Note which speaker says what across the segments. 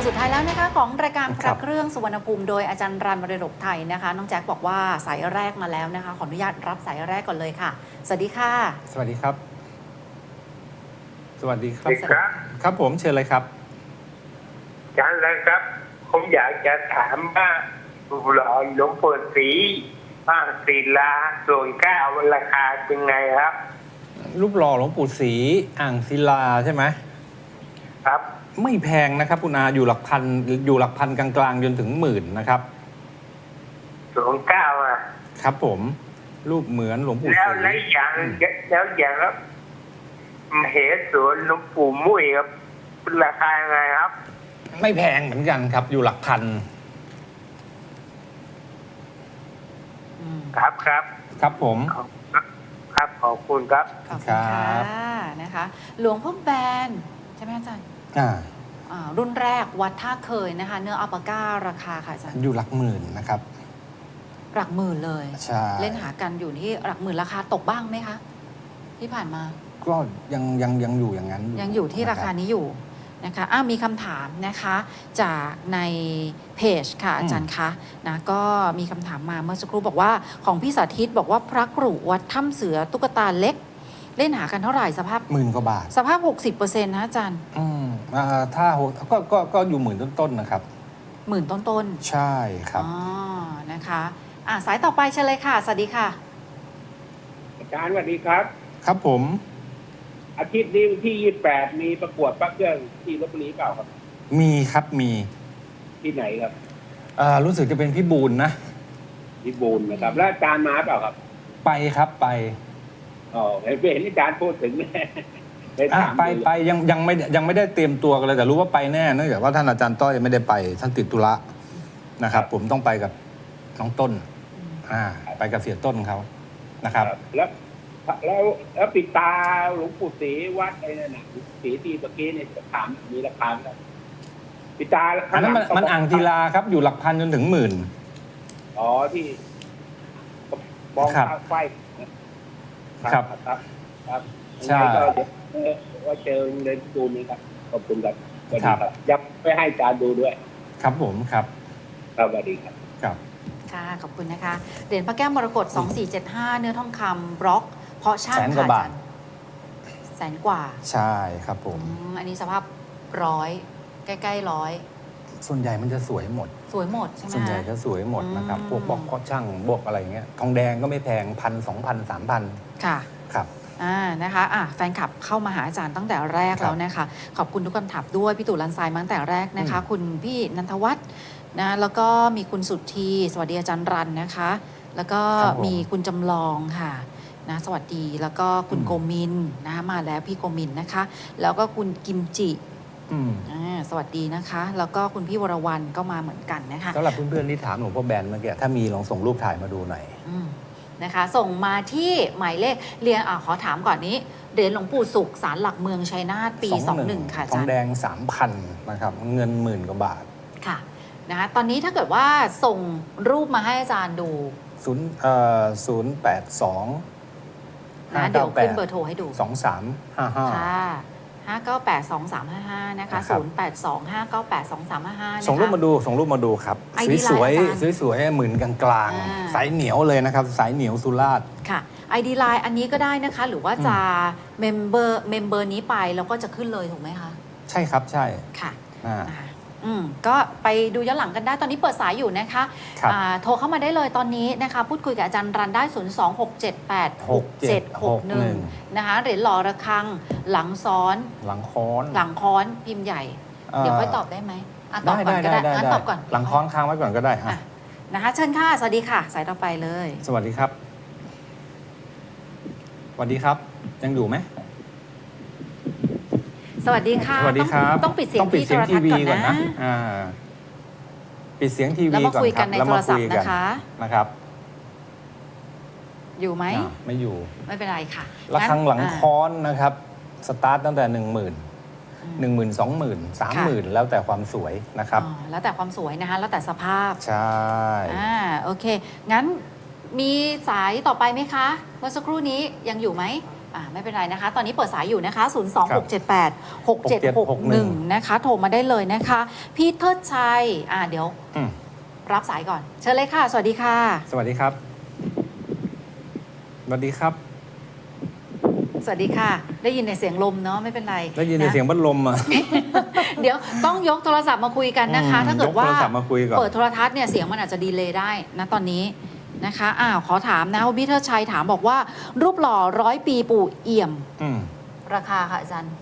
Speaker 1: สุดท้ายแล้วนะคะของรายการพ
Speaker 2: ครั
Speaker 1: ระ
Speaker 2: บ
Speaker 1: เครื่องสุวรรณภูมิโดยอาจารย์รันมรดกไทยนะคะน้องแจ็คบอกว่าสายแรกมาแล้วนะคะขออนุญาตรับสายแรกก่อนเลยค่ะสวัสดีค่ะ
Speaker 2: สวัสดีครับ สวัสดีครับ
Speaker 3: ครับ
Speaker 2: ครับผมเชิญเลยครับ
Speaker 3: อาจารย์นะครับ ผมอยากจะถามว่าหล่อหลวงปู่ศรีบ้างศิลาส่วนเก้าราคาเป็นไงครับ
Speaker 2: รูปหล่อหลวงปู่ศรีอ่างศิลาใช่ไหม
Speaker 3: ครับ
Speaker 2: ไม่แพงนะครับคุณอาอยู่หลักพันกลางๆจนถึงหมื่นนะครับ
Speaker 3: ส่วนเก้าอ่ะ
Speaker 2: ครับผมรูปเหมือนหลวงปู่ศ
Speaker 3: แล้ว
Speaker 2: รี
Speaker 3: อย่างครับเหสวนหลวงปู่มุ้ยครับราคายังไงครับ
Speaker 2: ไม่แพงเหมือนกันครับ อยู่หลักพัน
Speaker 3: ครับครับ
Speaker 2: ครับผม
Speaker 3: ครับขอบคุณครับ
Speaker 1: ขอบคุณค่ะ
Speaker 2: ครับ
Speaker 1: นะคะ หลวงพ่อแบนใช่ไหมอาจารย์ รุ่นแรกวัดท่าเคยนะคะ เนื้ออัลปาก้าราคาค่ะอาจารย์
Speaker 2: อยู่หลักหมื่นนะครับ
Speaker 1: หลักหมื่นเลย
Speaker 2: ใช่
Speaker 1: เล่นหากันอยู่ที่หลักหมื่นราคาตกบ้างไหมคะ ที่ผ่านมา
Speaker 2: ก็ยังอยู่อย่างนั้น
Speaker 1: ยังอยู่ที่ราคา
Speaker 2: นะ
Speaker 1: นี้อยู่นะคะมีคำถามนะคะจากในเพจค่ะอาจารย์คะนะก็มีคำถามมาเมื่อสักครู่บอกว่าของพี่สาธิตบอกว่าพระกรุวัดถ้ำเสือตุ๊กตาเล็ก เล่นหากันเท่าไหร่สภาพ
Speaker 2: หมื่นกว่าบาท
Speaker 1: สภาพ 60%นะอาจารย์
Speaker 2: ถ้าก็อยู่หมื่นต้นๆนะครับ
Speaker 1: หมื่นต้น
Speaker 2: ใช่ครับ
Speaker 1: อ๋อนะคะสายต่อไปเชิญเลยค่ะสวัสดีค่ะ
Speaker 4: อาจารย์สวัสดีครับ
Speaker 2: ครับผม
Speaker 4: อาทิตย์นี้วันที่ 28 มีประกวดพระเครื่องที่ลพบุรีเปล่าครับ
Speaker 2: มีครับมี
Speaker 4: ที่ไหนครับ
Speaker 2: รู้สึกจะเป็นพี่บูลนะ
Speaker 4: ที่บูนนะครับ แล้วอาจารย์มาเปล่าครับ
Speaker 2: ไปครับไป
Speaker 4: อ๋อเห็นอาจารย์พูดถึง ไปถาม
Speaker 2: ไปยังไม่ได้เตรียมตัวกันเลยแต่รู้ว่าไปแน่เนื่องจากว่าท่านอาจารย์ต้อยไม่ได้ไปท่านติดธุระนะครับ ผมต้องไปกับน้องต้นไปกับเสียต้นเขานะครับ
Speaker 4: แล้วปิดตาหลวงปู่ศรีวัดไอ้นั่นน่ะศรีที่เมื่อกี้เนี่ยถามมีราคาไหมปิดตา
Speaker 2: อันนั้นมันอ่างศิลาครับอยู่หลักพันจนถึงหมื่น
Speaker 4: อ๋อที่มอง
Speaker 2: ครับ
Speaker 4: ทางไฟ
Speaker 2: ครับ
Speaker 4: ครับ
Speaker 2: ใช่
Speaker 4: ก็เดี๋ยวว่าเจอเดินดูนี่ครับขอบคุณครับสวัสดีครับยับไปให้อาจารย์ดูด้วย
Speaker 2: ครับผมครับ
Speaker 4: ครับสวัสดีครับ
Speaker 2: ครับ
Speaker 1: ค่ะขอบคุณนะคะเหรียญพระแก้วมรกต2475 เนื้อทองคำบล็อก เพราะช่าง
Speaker 2: แสนกว่าบาท
Speaker 1: แสนกว่า
Speaker 2: ใช่ครับผม
Speaker 1: อันนี้สภาพร้อยใกล้ๆร้อย
Speaker 2: ส่วนใหญ่มันจะสวยหมด
Speaker 1: สวยหมดใช่ไหม
Speaker 2: ส่วนใหญ่
Speaker 1: คะ
Speaker 2: จะสวยหมดนะครับ
Speaker 1: อืม
Speaker 2: พวกบล็อกเคาะช่างบวกอะไรเงี้ยทองแดงก็ไม่แพง1,000 2,000 3,000
Speaker 1: ค่ะ
Speaker 2: ครับ
Speaker 1: นะคะแฟนคลับเข้ามาหาอาจารย์ตั้งแต่แรก
Speaker 2: ครับ
Speaker 1: แล้วนะคะ ขอบคุณทุกคำถามด้วยพี่ตู่ลันทรายมาตั้งแต่แรกนะคะ คุณพี่นันทวัฒน์นะแล้วก็มีคุณสุทธีสวัสดีอาจารย์รันนะคะ แล้วก็มีคุณจำลองค่ะนะสวัสดีแล้วก็คุณโกมินนะคะมาแล้วพี่โกมินนะคะ แล้วก็คุณกิมจิสวัสดีนะคะ แล้วก็คุณพี่วรวรรณก็มาเหมือนกันนะคะ
Speaker 2: สำหรับเพื่อนๆที่ถามหลวงพ่อแบนเมื่อกี้ถ้ามีลองส่งรูปถ่ายมาดูหน่อย
Speaker 1: นะคะส่งมาที่หมายเลขเรียนขอถามก่อนนี้เหรียญหลวงปู่สุขศาลหลักเมืองชัยนาทปี 21 ค่ะอา
Speaker 2: ทอ
Speaker 1: จาง รย์
Speaker 2: แดง 3,000 นะครับ เงินหมื่นกว่าบาท
Speaker 1: ค่ะนะคะตอนนี้ถ้าเกิดว่าส่งรูปมาให้อาจารย์ดู
Speaker 2: 082
Speaker 1: นะเดี๋ยวขึ้นเบอร์โทรให้ดู
Speaker 2: 2355
Speaker 1: ค่ะ5982355นะคะ
Speaker 2: ครับ
Speaker 1: 0825982355
Speaker 2: ส่งรูปมาดูครับ
Speaker 1: ID
Speaker 2: สวย
Speaker 1: ไลน์อาจารย์
Speaker 2: ๆสวยๆหมื่นกลาง
Speaker 1: อ่า
Speaker 2: ๆสายเหนียวเลยนะครับ สายเหนียวสุราษฎร์
Speaker 1: ค่ะ ID Line อันนี้ก็ได้นะคะ หรือว่าจะเมมเบอร์นี้ไปแล้วก็จะขึ้นเลยถูกไหมคะ
Speaker 2: ใช่ครับใช่
Speaker 1: ค่ะ
Speaker 2: อ่า
Speaker 1: ก็ไปดูย้อนหลังกันได้ตอนนี้เปิดสายอยู่นะคะ
Speaker 2: ครับ
Speaker 1: โทรเข้ามาได้เลยตอนนี้นะคะ พูดคุยกับอาจารย์รันได้ 026786761 นะคะเหรียญหล่อระฆังหลังซ้อน
Speaker 2: หลังค้อน
Speaker 1: หลังค้อนพิมพ์ใหญ่ เดี๋ยวค่อยตอบได้ไหมตอบก่อนก็ได้งั้นตอบก่อน
Speaker 2: หลังค้อนค้างไว้ก่อนก็ได้
Speaker 1: นะคะเชิญค่ะสวัสดีค่ะ สายต่อไปเลย
Speaker 2: สวัสดีครับ สวัสดีครับ ยังอยู่ไหม
Speaker 1: สวัสดีค่ะ
Speaker 2: สวัสดีครับ
Speaker 1: ต้องปิดเสียงที่โทรทัศน์ก่อนนะ
Speaker 2: ปิดเสียงที
Speaker 1: แล้ว
Speaker 2: วี
Speaker 1: มา
Speaker 2: ก่อน
Speaker 1: คุย
Speaker 2: ค
Speaker 1: กั
Speaker 2: รั
Speaker 1: น
Speaker 2: บ
Speaker 1: ใน
Speaker 2: แล้ว
Speaker 1: โทร
Speaker 2: มา
Speaker 1: ศั
Speaker 2: คุ
Speaker 1: พ
Speaker 2: ย
Speaker 1: ท์
Speaker 2: กัน
Speaker 1: นะคะ
Speaker 2: นะครับ
Speaker 1: อยู่ไหม
Speaker 2: ไม่อยู่
Speaker 1: ไม่เป็นไรค่ะ
Speaker 2: ระฆังหลัง
Speaker 1: งั้น
Speaker 2: ค้อนนะครับ สตาร์ทตั้งแต่ 10,000 10,000 20,000 30,000 แล้วแต่ความสวยนะครับ
Speaker 1: แล้วแต่ความสวยนะคะ แล้วแต่สภาพ
Speaker 2: ใช่
Speaker 1: โอเค งั้นมีสายต่อไปไหมคะเมื่อสักครู่นี้ยังอยู่ไหมไม่เป็นไรนะคะ ตอนนี้เปิดสายอยู่นะคะ 026786761 นะคะ โทรมาได้เลยนะคะ พี่เทิดชัยเดี๋ยวรับสายก่อน เชิญเลยค่ะ สวัสดีค่ะ
Speaker 2: สวัสดีครับ สวัสดีครับ
Speaker 1: สวัสดีค่ะ ได้ยินในเสียงลมเนาะไม่เป็นไร
Speaker 2: ได้ยินในเสียงพัดลมอ่ะ
Speaker 1: เดี๋ยวต้องยกโทรศัพท์มาคุยกันนะคะ ถ้าเกิดว่าย
Speaker 2: กโทรศัพท์มาคุยก่อน
Speaker 1: เปิดโทรทัศน์เนี่ยเสียงมันอาจจะดีเลย์ได้นะตอนนี้นะคะขอถามนะพี่เทิดชัยถามบอกว่ารูปหล่อ100 ปีปู่เอี่ยม ราคาค่ะอาจารย์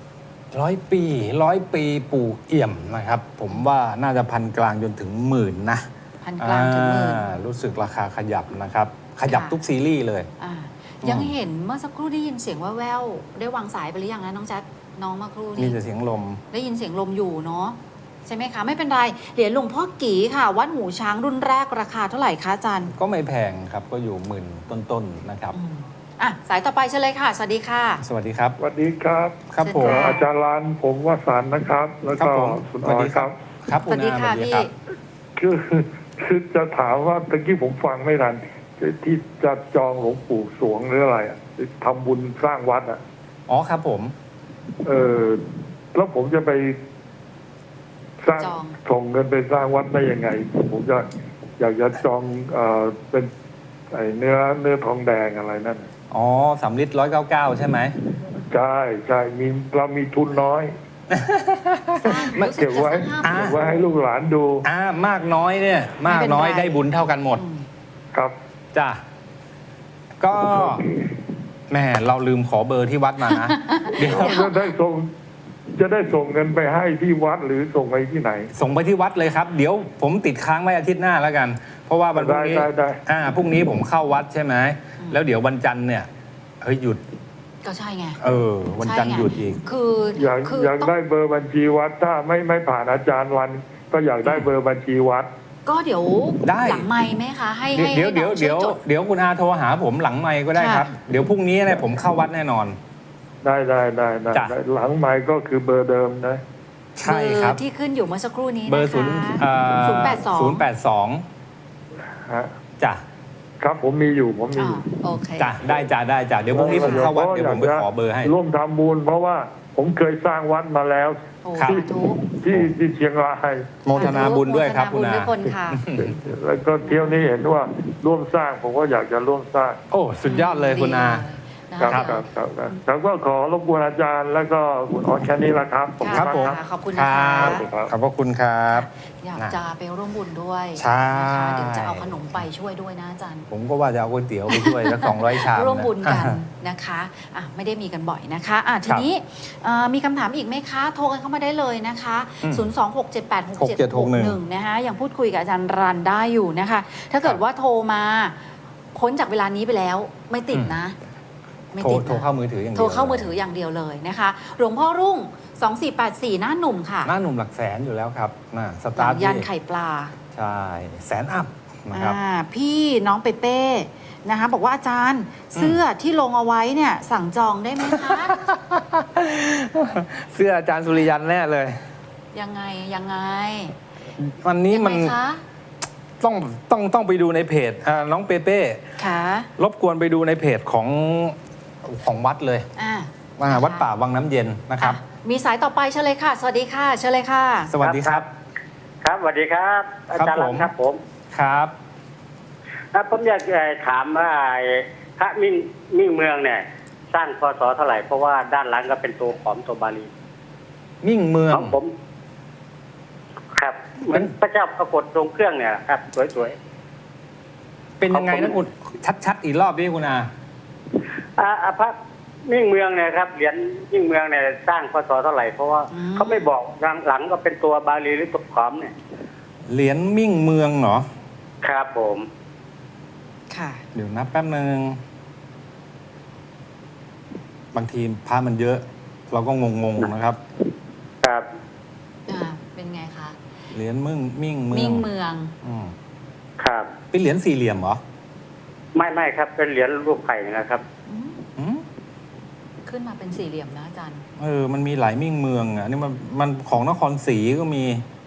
Speaker 2: 100 ปีปู่เอี่ยมนะครับ ผมว่าน่าจะพันกลางจนถึงหมื่นนะ
Speaker 1: พันกลางถึงหมื่น
Speaker 2: รู้สึกราคาขยับนะครับ ขยับทุกซีรีส์เลย
Speaker 1: ยังเห็นเมื่อสักครู่ได้ยินเสียงแว่วๆได้วางสายไปหรือยังนะน้องแจ๊คน้องเมื่อครู่
Speaker 2: มี
Speaker 1: นี้
Speaker 2: แต่เสียงลม
Speaker 1: ได้ยินเสียงลมอยู่เนาะใช่ไหมคะไม่เป็นไรเหรียญหลวงพ่อกี่ค่ะ วัดหูช้างรุ่นแรกราคาเท่าไหร่คะอาจารย์
Speaker 2: ก็ไม่แพงครับ ก็อยู่หมื่นต้นๆนะครับ
Speaker 1: สายต่อไปเชิญเลยค่ะ สวัสดีค่ะ
Speaker 2: สวัสดีครับ
Speaker 5: สวัสดีครับ
Speaker 2: ครับผม
Speaker 1: เชิญค่ะ
Speaker 5: อาจารย์ลานผมวสันต์นะครับ แล้ว
Speaker 2: ครับ
Speaker 5: ก็
Speaker 2: ผม
Speaker 5: คุณออยครับ
Speaker 2: ครับ
Speaker 1: สวัสดีค่ะ
Speaker 2: ณอา
Speaker 1: พี่
Speaker 2: รับ
Speaker 5: คือจะถามว่าตะกี้ผมฟังไม่ทันที่จะจองหลวงปู่สวงหรืออะไรอ่ะทำบุญสร้างวัดอ่ะ
Speaker 2: อ๋อครับผม
Speaker 5: แล้วผมจะไปสร้าง
Speaker 1: จอง
Speaker 5: ส่งเงินไปสร้างวัดได้ยังไง ผมจะอยากจะจองเป็นไอ้เนื้อทองแดงอะไรนั่น
Speaker 2: อ๋อ3 ลิตร199ใช่ไหม
Speaker 5: ใช่เรามีทุนน้อย
Speaker 1: รู้สึ
Speaker 5: เก็บไว้
Speaker 1: จะสักห้า
Speaker 5: เก็บไว้ให้ลูกหลานดู
Speaker 2: มากน้อยเนี่ย มากน้อย
Speaker 1: ไม่เป็นไร
Speaker 2: ได้บุญเท่ากันหมด
Speaker 5: ครับ
Speaker 2: จ้ะก็แหม่เราลืมขอเบอร์ที่วัดมานะ เดี๋ยว
Speaker 5: จะได้ส่งเงินไปให้ที่วัดหรือส่งไปที่ไหน
Speaker 2: ส่งไปที่วัดเลยครับ เดี๋ยวผมติดค้างไว้อาทิตย์หน้าแล้วกัน เพราะว่าวันพรุ่งนี้
Speaker 5: ได้
Speaker 2: พรุ่งนี้ผมเข้าวัดใช่ไหมแล้วเดี๋ยววันจันทร์เนี่ยหยุด
Speaker 1: ก็ใช่ไง
Speaker 2: วันจันทร์หยุดอีก
Speaker 1: คือ
Speaker 5: อยาก
Speaker 1: คือ
Speaker 5: อยาก
Speaker 1: ต้อง
Speaker 5: ได้เบอร์บัญชีวัดถ้าไม่ผ่านอาจารย์วัน ก็อยากได้เบอร์บัญชีวัด
Speaker 1: ก็เดี๋ยว
Speaker 2: ได้
Speaker 1: หลังไม้ไหมคะให้
Speaker 2: เดี๋ยว
Speaker 1: ให้
Speaker 2: เดี๋ยว
Speaker 1: น้อง
Speaker 2: เดี๋ยว
Speaker 1: ช่จ
Speaker 2: เดี๋ยวคุณอาโทรหาผมหลังไมค์ก็ได้ครับ เดี๋ยวพรุ่งนี้เนี่ยผมเข้าวัดแน่นอน
Speaker 5: ได้
Speaker 2: จ้ะ
Speaker 5: หลังไม้ก็คือเบอร์เดิมนะ
Speaker 2: ใช่ครับ
Speaker 1: เบอร์ที่ขึ้นอยู่เมื่อสักครู่นี้
Speaker 2: เบอร์
Speaker 1: นะคะ
Speaker 2: 082
Speaker 5: ฮะ
Speaker 2: จ้ะ
Speaker 5: ครับผมมีอยู่
Speaker 1: โอเค
Speaker 2: จ้ะได้จ้ะเดี๋ยวพรุ่งนี้ผมเข้าวัดเดี๋ยวผมไปขอเบอร์ให้
Speaker 5: ร่วมทำบุญเพราะว่าผมเคยสร้างวัดมาแล้ว
Speaker 1: โอ้
Speaker 2: ครับ
Speaker 1: สาธุ
Speaker 5: ที่เชียงราย
Speaker 2: โมทนาบุญด้วยครับ
Speaker 1: โม
Speaker 2: คุณ
Speaker 1: ทนา
Speaker 2: อา
Speaker 1: บุญด้วยคนค่ะ
Speaker 5: แล้วก็เที่ยวนี้เห็นว่าร่วมสร้างผมก็อยากจะร่วมสร้าง
Speaker 2: โอ้สุดยอดเลยคุณอา
Speaker 1: ดีเลย
Speaker 5: ครับแล้วก็ขอรบกวนอาจารย์แล้วก็คุณออสแค่นี้ละครับ
Speaker 1: ค่ะ
Speaker 2: ผม
Speaker 1: ค่ะขอบคุณ
Speaker 2: ค
Speaker 1: นะ
Speaker 2: รั
Speaker 1: คะ
Speaker 2: บขอบพระคุณครับ
Speaker 1: อยากจะไปร่วมบุญด้วย
Speaker 2: ใช่
Speaker 1: นะคะเดี๋ยวจะเอาขนมไปช่วยด้วยนะอาจารย์
Speaker 2: ผมก็ว่าจะเอาก๋วยเตี๋ยวไปช่วยสัก200 ชาม
Speaker 1: ร่วมบุญกัน
Speaker 2: อ่า
Speaker 1: นะคะไม่ได้มีกันบ่อยนะคะทีนี้มีคำถามอีกไหมคะ โทรกันเข้ามาได้เลยนะคะ 026786761 นะคะยังพูดคุยกับอาจารย์รันได้อยู่นะคะ ถ้าเกิดว่าโทรมาพ้นจากเวลานี้ไปแล้วไม่ติดนะ ไม่ติดนะ
Speaker 2: โทรเข้ามือถืออย่างเดียว
Speaker 1: โทรเข้ามือถืออย่างเดียวเลยนะคะ หลวงพ่อรุ่ง 2484 หน้าหนุ่มค่ะ
Speaker 2: หน้าหนุ่มหลักแสนอยู่แล้วครับส
Speaker 1: ห
Speaker 2: ตา
Speaker 1: ลั
Speaker 2: ร์ท
Speaker 1: งยัน
Speaker 2: ที่
Speaker 1: ไข่ปลา
Speaker 2: ใช่แสนอัพนะครับ
Speaker 1: พี่น้องเปเป้นะคะบอกว่าอาจารย์เสื้อที่ลงเอาไว้เนี่ยสั่งจองได้ไหมคะ
Speaker 2: เสื้ออาจารย์สุริยันแน่เลย
Speaker 1: ยังไง
Speaker 2: วันนี้มัน
Speaker 1: ยังไงคะ
Speaker 2: ต้องไปดูในเพจน้องเปเป้
Speaker 1: ค่ะ
Speaker 2: รบกวนไปดูในเพจของวัดเลย วัดป่าวังน้ำเย็นนะครับ
Speaker 1: มีสายต่อไปเชิญเลยค่ะ สวัสดีค่ะเชิญเลยค่ะ
Speaker 2: สวัสดีครับ
Speaker 3: ครับสวัสดีครับ อาจารย์
Speaker 2: ครับผม
Speaker 3: ครับผม
Speaker 2: ครับ
Speaker 3: ผมอยากจะถามว่าพระมิ่งเมืองเนี่ย สร้างพศเท่าไหร่เพราะว่าด้านหลังก็เป็นตัวขอมตัวบาลี
Speaker 2: มิ่งเมือง
Speaker 3: ของผม ครับเหมือนพระเจ้าปรากฏทรงเครื่องเนี่ยครับสวย
Speaker 2: เป็นยังไงนะคุณชัดๆอีกรอบดิคุณอา
Speaker 3: ๆพระมิ่งเมืองเนี่ยครับเหรียญมิ่งเมืองเนี่ยสร้างพศเท่าไหร่เพราะว่าเขาไม่บอกหลังก็เป็นตัวบาลีหรือตัวขอมเนี่ย
Speaker 2: เหรียญมิ่งเมืองเหรอ
Speaker 3: ครับผม
Speaker 1: ค่ะ
Speaker 2: เดี๋ยวนับแป๊บนึงบางทีพระมันเยอะ เราก็งงๆนะครับ
Speaker 3: ครับ
Speaker 1: เป็นไงคะ
Speaker 2: เหรียญมิ่งเมือง
Speaker 1: มิ่งเมือง
Speaker 2: ม
Speaker 3: ครับ
Speaker 2: เป็นเหรียญสี่เหลี่ยมเหรอ
Speaker 3: ไม่ครับเป็นเหรียญรูปไข่นะครับ
Speaker 2: อืม
Speaker 1: ขึ้นมาเป็นสี่เหลี่ยมนะอาจารย์
Speaker 2: มันมีหลายมิ่งเมืองอ่ะนี่มันของนครศรีก็มี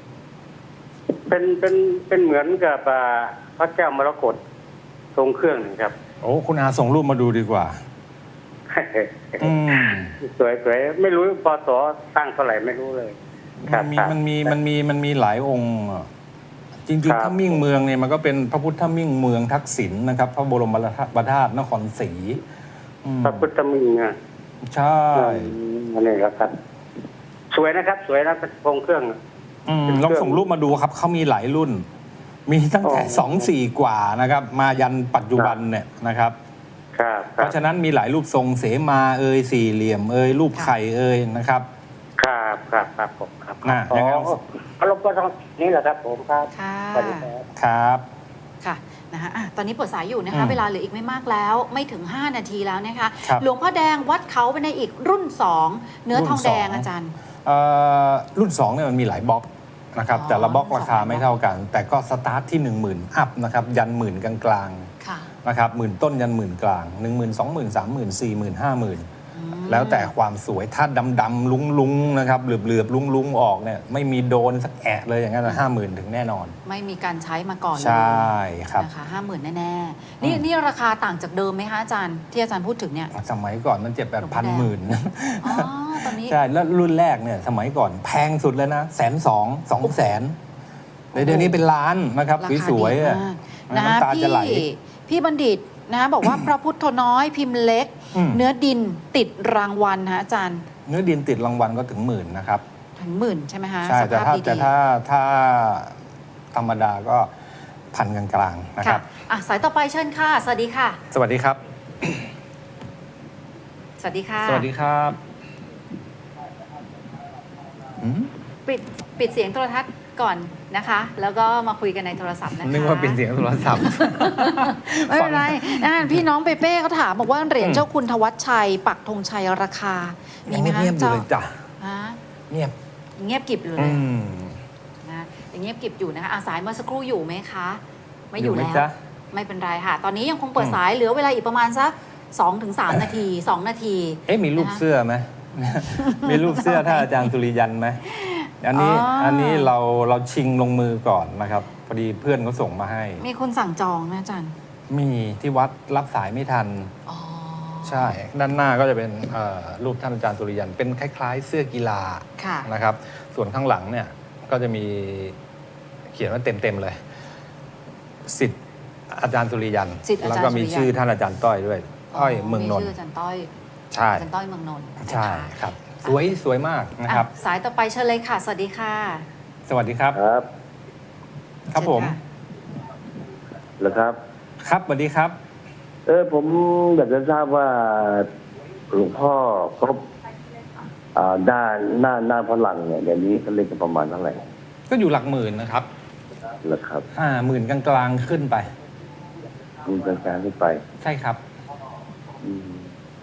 Speaker 3: เป็นเหมือนกับพระเจ้ามรกตทรงเครื่องนะครับ
Speaker 2: โอ้คุณอาส่งรูปมาดูดีกว่าอืม
Speaker 6: สวยไม่รู้ปศสร้างเท่าไหร่ไม่รู้เลยค
Speaker 2: มั
Speaker 6: รั
Speaker 2: น
Speaker 6: บ
Speaker 2: มี
Speaker 6: ครับ
Speaker 2: มันมีหลายองค์อะจริง
Speaker 6: ครับ
Speaker 2: ๆถ้ามิ่งเมืองเนี่ยมันก็เป็นพระพุทธมิ่งเมืองทักษิณนะครับ พระบรมธาตุนครศรีอืม
Speaker 6: พระพุทธมิงอ่ะ
Speaker 2: ใช่
Speaker 6: อันนี้ครับ สวยนะครับ สวยนะเป็นโครงเครื่อง
Speaker 2: ลองส่งรูปมาดูครับเขามีหลายรุ่น มีตั้งแต่
Speaker 6: อ๋อ
Speaker 2: 2-4 กว่านะครับ มายันปัจจุบันเนี่ยนะครับ
Speaker 6: ครับ
Speaker 2: เพราะฉะนั้นมีหลายรูปทรงเสมาสี่เหลี่ยมรูปไข่นะครับ
Speaker 6: ครับผมครับ
Speaker 2: น่ะ
Speaker 6: อ๋อ
Speaker 2: ยังไง
Speaker 6: อารมณ์ก็ต้องนี่แหละครับผมครับ
Speaker 1: ค่ะ
Speaker 6: สวัสดีครับ
Speaker 2: ครับ
Speaker 1: ค่ะนะคะตอนนี้เปิดสายอยู่นะคะ
Speaker 2: อืม
Speaker 1: เวลาเหลืออีกไม่มากแล้ว ไม่ถึง 5 นาทีแล้วนะคะ
Speaker 2: ครับ
Speaker 1: หลวงพ่อแดงวัดเขาเป็นในอีกรุ่น 2 เนื้อทองแดง
Speaker 2: รุ่น 2
Speaker 1: อาจารย์
Speaker 2: รุ่น2เนี่ยมันมีหลายบล็อกนะครับ
Speaker 1: อ๋อ
Speaker 2: แต่ละบล็อก
Speaker 1: รุ่น
Speaker 2: ราคา
Speaker 1: 2
Speaker 2: ไม่เท่ากัน แต่ก็สตาร์ทที่ 10,000 อัพนะครับยันหมื่นกลาง
Speaker 1: ค่ะ
Speaker 2: ๆนะครับหมื่นต้นยันหมื่นกลาง 10,000 20,000 30,000 40,000 50,000
Speaker 1: อืม
Speaker 2: แล้วแต่ความสวยถ้าดำๆลุ้งๆนะครับเหลือบๆลุ้งๆออกเนี่ยไม่มีโดนสักแอะเลยอย่างนั้น50,000 ถึงแน่นอน
Speaker 1: ไม่มีการใช้มาก่อนเลย
Speaker 2: ใช่ครับ
Speaker 1: นะคะ50,000 แน่ๆนี่ราคาต่างจากเดิมไหมคะอาจารย์ที่อาจารย์พูดถึงเนี่ย
Speaker 2: สมัยก่อนมัน7-8 พันหมื่น
Speaker 1: อ๋อตอนนี้
Speaker 2: ใช่แล้วรุ่นแรกเนี่ยสมัยก่อนแพงสุดเลยนะ120,000 200,000เดี๋ยวนี้เป็นล้านนะครับ
Speaker 1: ราคา
Speaker 2: สวย
Speaker 1: ดี
Speaker 2: ๆอะ
Speaker 1: มากนะ
Speaker 2: น้ำตาจะไหล
Speaker 1: พี่บัณฑิตนะบอกว่า พระพุทธน้อยพิมพ์เล็ก
Speaker 2: อืม
Speaker 1: เนื้อดินติดรางวัลฮะอาจารย์
Speaker 2: เนื้อดินติดรางวัลก็ถึงหมื่นนะครับ
Speaker 1: ถึงหมื่นใช่ไหมคะ
Speaker 2: ใช่
Speaker 1: ส
Speaker 2: แต่
Speaker 1: ภาพ
Speaker 2: ถ้า
Speaker 1: ดี
Speaker 2: แต่ถ้าธรรมดาก็พันกลางๆนะค
Speaker 1: ค่ะ
Speaker 2: รับ
Speaker 1: สายต่อไปเชิญค่ะ สวัสดีค่ะ
Speaker 2: สวัสดีครับ
Speaker 1: สวัสดีค่ะ
Speaker 2: สวัสดีครับอืม
Speaker 1: ปิดเสียงโทรทัศน์ก่อนนะคะ แล้วก็มาคุยกันในโทรศัพท์นะคะ
Speaker 2: นึกว่าเป็นเสียงโทรศัพท์
Speaker 1: ไม่เป็นไรพี่น้องเปเป้เขาถามบอกว่าเหรียญ
Speaker 2: อืม
Speaker 1: เจ้าคุณธวัชชัย ปักธงชัยราคา มีไหมคะ
Speaker 2: เงียบๆอยู่
Speaker 1: เจ้า
Speaker 2: เลยจ้ะ
Speaker 1: ฮะ
Speaker 2: เงียบ
Speaker 1: เงียบกริบอยู่เล
Speaker 2: อื
Speaker 1: ย
Speaker 2: ม
Speaker 1: นะยังเงียบกริบอยู่นะคะสายเมื่อสักครู่อยู่ไหมคะ ไม่อยู่
Speaker 2: อยู่ไหม
Speaker 1: แล้ว
Speaker 2: จ๊ะ
Speaker 1: ไม่เป็นไรค่ะ ตอนนี้ยังคงเปิด
Speaker 2: อืม
Speaker 1: สายเหลือเวลาอีกประมาณสัก2-3 นาที 2 นาที
Speaker 2: มีรูป
Speaker 1: นะคะ
Speaker 2: เสื้อไหม มีรูปเสื้อท่านอาจารย์สุริยันไหมอันนี้
Speaker 1: อ๋ออั
Speaker 2: อันนี้เราชิงลงมือก่อนนะครับพอดีเพื่อนเขาส่งมาให้
Speaker 1: มีคนสั่งจองนะอาจารย์
Speaker 2: มีที่วัดรับสายไม่ทัน
Speaker 1: อ๋อ
Speaker 2: ใช่ ด้านหน้าก็จะเป็นรูปท่านอาจารย์สุริยัน เป็นคล้ายๆ เสื้อกีฬา
Speaker 1: ค่ะ
Speaker 2: นะครับ ส่วนข้างหลังเนี่ยก็จะมีเขียนว่าเต็มๆเลยสิทธิ์อาจารย์สุริยัน
Speaker 1: ศิษย์อา
Speaker 2: แล้ว
Speaker 1: จารย์
Speaker 2: ก็มี
Speaker 1: สุริยัน
Speaker 2: ชื่อท่านอาจารย์ต้อยด้วยต้อยเมืองนน
Speaker 1: ชื่
Speaker 2: ท์
Speaker 1: อาจารย์ต้อย
Speaker 2: ใช่
Speaker 1: อาจารย์ต้อยเมืองนนท์นะคะ
Speaker 2: ใช่ครับ สวยมากนะครับ
Speaker 1: สายต่อไปเชิญเลยค่ะ สวัสดีค่ะ
Speaker 2: สวัสดีครับ
Speaker 6: ครับ
Speaker 2: ครับผม
Speaker 1: เชิญค่ะ
Speaker 6: เหรอครับ
Speaker 2: ครับสวัสดีครับ
Speaker 6: ผมอยากจะทราบว่าหลวงพ่อครบหน้าฝรั่งเนี่ยเดี๋ยวนี้เขาเล่นกันประมาณเท่าไหร่
Speaker 2: ก็อยู่หลักหมื่นนะครับ
Speaker 6: เหรอครับ
Speaker 2: หมื่นกลางๆขึ้นไป
Speaker 6: มีการขึ้นไป
Speaker 2: ใช่ครับ
Speaker 6: อืม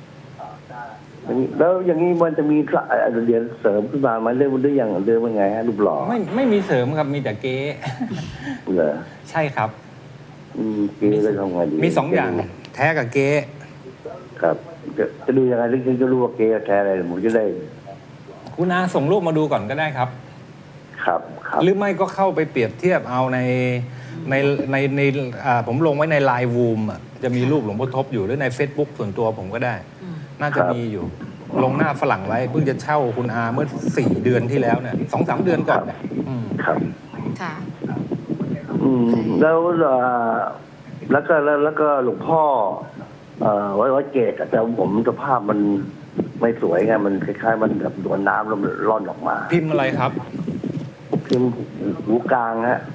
Speaker 6: แล้วอย่างนี้มันจะมีเหรียญเสริมขึ้นมาไหมเรื่องมันได้อย่างเดิมยังไงฮะรูปหล่อ
Speaker 2: ไม่มีเสริมครับมีแต่เก๊
Speaker 6: เหรอ
Speaker 2: ใช่ครับ
Speaker 6: เก๋เลยทำไงดี
Speaker 2: มี2 อย่างแท้กับเก๊
Speaker 6: ครับจะดูยังไงถึงจะรู้ว่าเก๋แท้อะไรผมจะได้
Speaker 2: คุณอาส่งรูปมาดูก่อนก็ได้ครับ
Speaker 6: ครับครับ
Speaker 2: หรือไม่ก็เข้าไปเปรียบเทียบเอาในผมลงไว้ในไลน์วูมจะมีรูปหลวงพ่อทบอยู่หรือใน Facebook ส่วนตัวผมก็ได้ น่าจะมีอยู่ ลงหน้าฝรั่งไว้เพิ่งจะเช่าคุณอาเมื่อ4 เดือนที่แล้วเนี่ย2-3 เดือนก่อนเนี่ยอืม
Speaker 6: ครับ
Speaker 1: ค่ะ
Speaker 6: แล้วก็หลวงพ่อไว้เกศแต่ผมสภาพมันไม่สวยไงมันคล้ายๆมันแบบโดนน้ำแล้วมันร่อนออกมา
Speaker 2: พิมพ์อะไรครับ
Speaker 6: พิมพ์หูกลางฮะ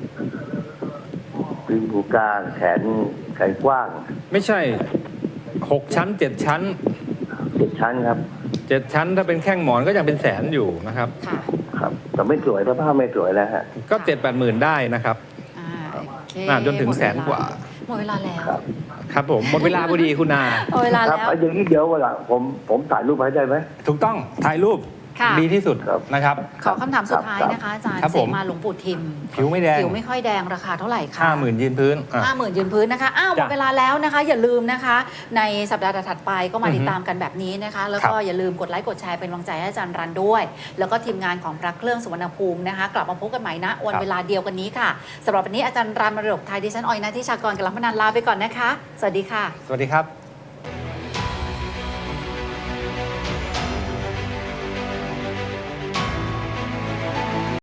Speaker 6: พิมพ์หูกลางแขนกว้าง
Speaker 2: ไม่ใช่6 ชั้น 7 ชั้น
Speaker 6: 7 ชั้นครับ
Speaker 2: 7 ชั้นถ้าเป็นแข้งหมอนก็ยังเป็นแสนอยู่นะครับ
Speaker 1: ค่ะ
Speaker 6: ครับแต่ไม่สวยสภาพไม่สวยแล้วฮะ
Speaker 2: ก็ 7-8 หมื่นได้นะครับ
Speaker 1: โอเค
Speaker 2: จนถึงแสนกว่า
Speaker 1: หมดเวลาแล้ว
Speaker 6: ครับ
Speaker 2: ครับผมหมดเวลาพอดีคุณอา
Speaker 1: หมดเวลา
Speaker 6: ครับ
Speaker 1: แล้ว
Speaker 6: อย่างนี้เดี๋ยววันหลังผมถ่ายรูปให้ได้ไหม
Speaker 2: ถูกต้องถ่ายรูป
Speaker 1: ค่ะ
Speaker 2: ดีที่สุด
Speaker 6: ครับ
Speaker 2: นะครับ
Speaker 1: ขอคำถามสุดท้ายนะคะอาจารย์
Speaker 2: ครับ
Speaker 1: เส
Speaker 2: ผม
Speaker 1: มาหลวงปู่ทิม
Speaker 2: ผิวไม่แดง
Speaker 1: ผิวไม่ค่อยแดงราคาเท่าไหร่คะ
Speaker 2: 50,000ยืนพื้นอ่ะ
Speaker 1: 50,000ยืนพื้นนะคะหมด
Speaker 2: จ้ะ
Speaker 1: เวลาแล้วนะคะ อย่าลืมนะคะ ในสัปดาห์ถัดไปก็มา
Speaker 2: อือฮึ
Speaker 1: ติดตามกันแบบนี้นะคะ แล้วก็
Speaker 2: ครับ
Speaker 1: อย่าลืมกดไลค์กดแชร์เป็นกำลังใจให้อาจารย์รันด้วย แล้วก็ทีมงานของพระเครื่องสุวรรณภูมินะคะ กลับมาพบกันใหม่นะวันเวลาเดียวกันนี้ค่ะสำหรับวันนี้อาจารย์รันมรดกไทยดิฉันออยนัทธิชากรกับลังพนันลาไปก่อนนะคะ สวัสดีค่ะ
Speaker 2: สวัสดีครับ